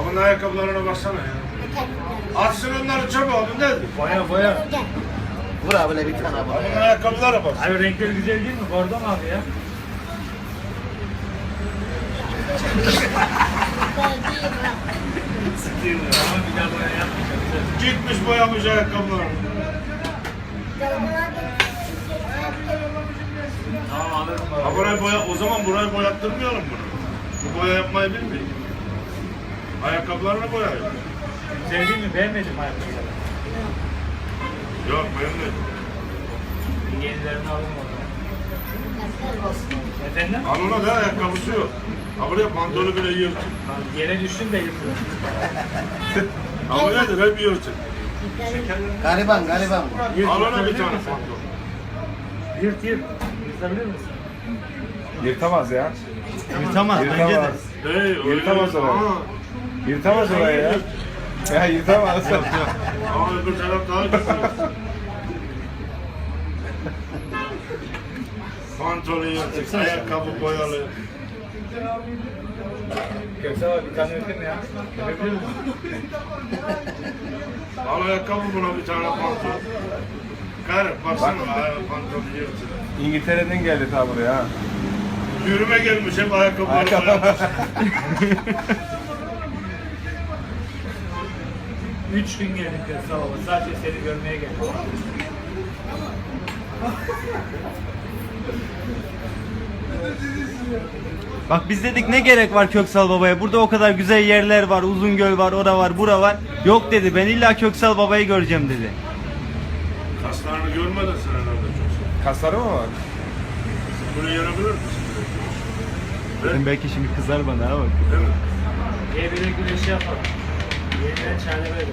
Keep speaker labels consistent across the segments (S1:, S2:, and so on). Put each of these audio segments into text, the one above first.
S1: Onun ayakkabılarına baksana ya. Atsın onları çöpe oğlum ne?
S2: Boya.
S3: Vur abi bir tane abi.
S1: Onun ayakkabılara bak.
S2: Abi renkleri güzel değil mi? Bordo mu abi ya? Ama bir daha boya yapmayacağım.
S1: Gitmiş boyamış ayakkabılarını.
S2: Tamam alırım
S1: Ha
S2: abi.
S1: burayı boya, o zaman burayı boyattırmayalım bunu. Bu boya yapmayı bilmiyor. Ayakkabılarını boyayın.
S2: Sevdin mi? Beğenmedin mi ayakkabıları?
S1: Yok beğenmedim.
S2: Yenilerini alın oradan. Efendim?
S1: Al ona da ayakkabısı yok. Ha buraya pantolonu bile yırtın.
S2: Yere düştün de yıkılır.
S1: Ha bu nedir? Hep yırtın.
S3: Gariban.
S1: Al ona bir tane pantolon.
S2: Yırt. Yırtabilir misin?
S4: Yırtamaz ya.
S3: Yırtamaz bence de.
S1: Hey, öyle
S4: Yırtamaz
S1: yırt.
S4: orayı.
S1: Aa,
S4: Yırtamaz orayı ya. Ya yırtamaz.
S1: ama öbür taraf daha güzel. Pantolon yırtık, ayakkabı boyalı.
S2: Köksal abi bir tane öpeyim ya. Öpebilir misin?
S1: Al ayakkabı buna bir tane pantolon. Karı baksana pantolon yırtık.
S4: İngiltere'den geldi ta buraya ha.
S1: Yürüme gelmiş hep ayakkabıları boyamış.
S2: 3 gün geldim Köksal abi. Sadece seni görmeye geldim.
S5: Bak biz dedik ne gerek var Köksal Baba'ya? Burada o kadar güzel yerler var. Uzungöl var, ora var, bura var. Yok dedi. Ben illa Köksal Baba'yı göreceğim dedi.
S1: Kaslarını görmedin sen herhalde çok.
S4: Kasları mı var?
S1: Bunu yenebilir misin?
S5: Dedim belki şimdi kızar bana ama.
S1: Değil mi?
S2: Birbirine güreşi yapalım. Yeniden çare böyle.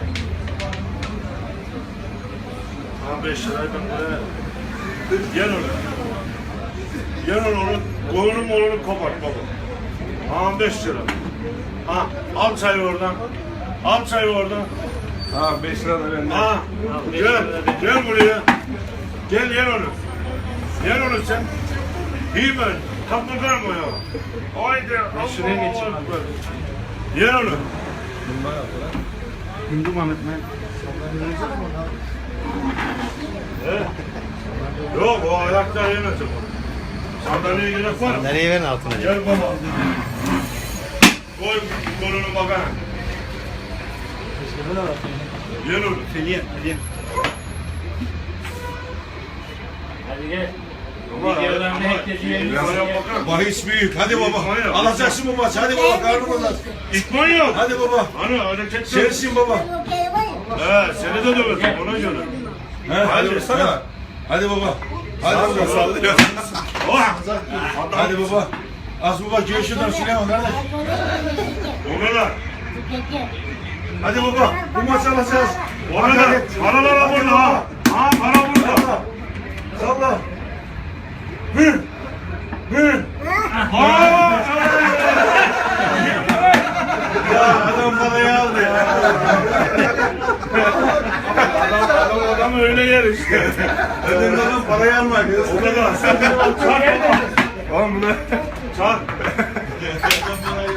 S1: Ha 5 lirayı ben buraya. Gel onu. Gel onu. Kolunu molunu kopart baba. Ha 5 lira. Ha al çayı oradan. Al çayı oradan.
S4: Ha 5 lira da bende.
S1: Ha gel. Gel buraya. Gel yer onu. Yer onu sen. İyi ben. Kapıdan mı ya? Haydi.
S2: Şuraya geçeyim abi.
S1: Yer onu.
S5: Hindu Mehmet mi?
S1: Yok o ayakta yemez o. Sandalyeye gerek var mı?
S3: Nereye verin altına?
S1: Gel baba. Koy kolunu bakana. Gel oğlum.
S5: Feliye.
S2: Hadi gel.
S1: Baba,
S2: Videolarını herkes yiyelim.
S1: Oraya bakana.
S6: Bahis büyük. Hadi baba.
S1: İtman yok.
S6: Alacaksın bu maçı. Hadi baba. Karnımız aç.
S1: İtman yok.
S6: Hadi baba.
S1: Hani hareket
S6: Sensin baba.
S1: He seni de döverim ona göre.
S6: He, hadi vursana. Hadi baba. Hadi baba. Sallıyor.
S1: Oh!
S6: Hadi baba. Az baba gel şuradan Süleyman kardeş.
S1: O kadar.
S6: Hadi baba. Bu maçı alacağız.
S1: O kadar. Paralar burada ha. Ha para burada.
S6: Salla. Hır. Hır. Ya adam parayı aldı ya.
S1: Adam öyle yer işte.
S6: Adam parayı almak.
S1: O kadar. Çak baba.
S4: Oğlum bunu
S1: Çak.